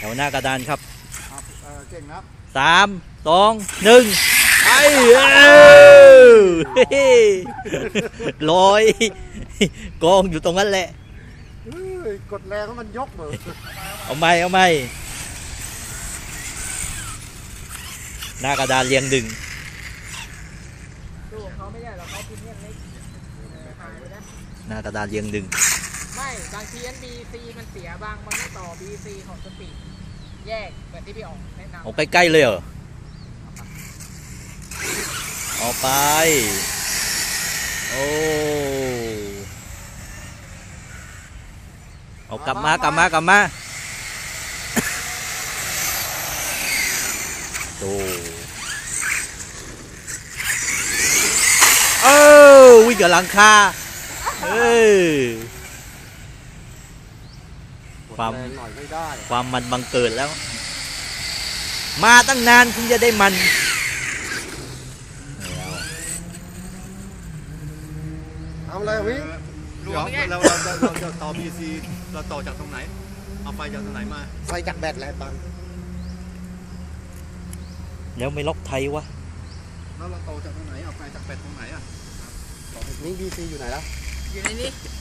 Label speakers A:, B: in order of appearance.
A: แถวหน้ากระดานครับ
B: เก่งนะ
A: 3 2 1ไปลอยกองอยู่ตรงนั้นแหละ
B: กดแรงให้มันยกเหมือน
A: เอาไหมหน้ากระดานเรียงดึง
C: ดูเขาไม่ได้หรอกเขาพิมพ์เล็ก
A: หน้ากระดานเรียงดึง
C: ไม่บางทีอัน BC มันเสียบางมันต่อ BC ของสปีดแยกเหมือนที่พี่อ๋องแนะนำ
A: เอาใกล้ๆเลยเหรอเอาไปโอ้เอากลับมาโอ้วิ่งกับหลังคาความมันบังเกิดแล้วมาตั้งนานคุณจะได้มัน
B: ทำอะไรวิ่ง
D: เดี๋ยวเราจะต่อ BC เราต่อจากตรงไหนเอาไฟจากตรงไหนมา
B: ไฟจากแบตแหละปัง
A: แล้วไม่ล็อกไทยวะ
D: แล้วเราต่อจากตรงไหนเอาไฟจากแบตตรงไหนอ่ะ
B: นี่ BC อยู่ไหนแล้ว
C: อยู่ในนี้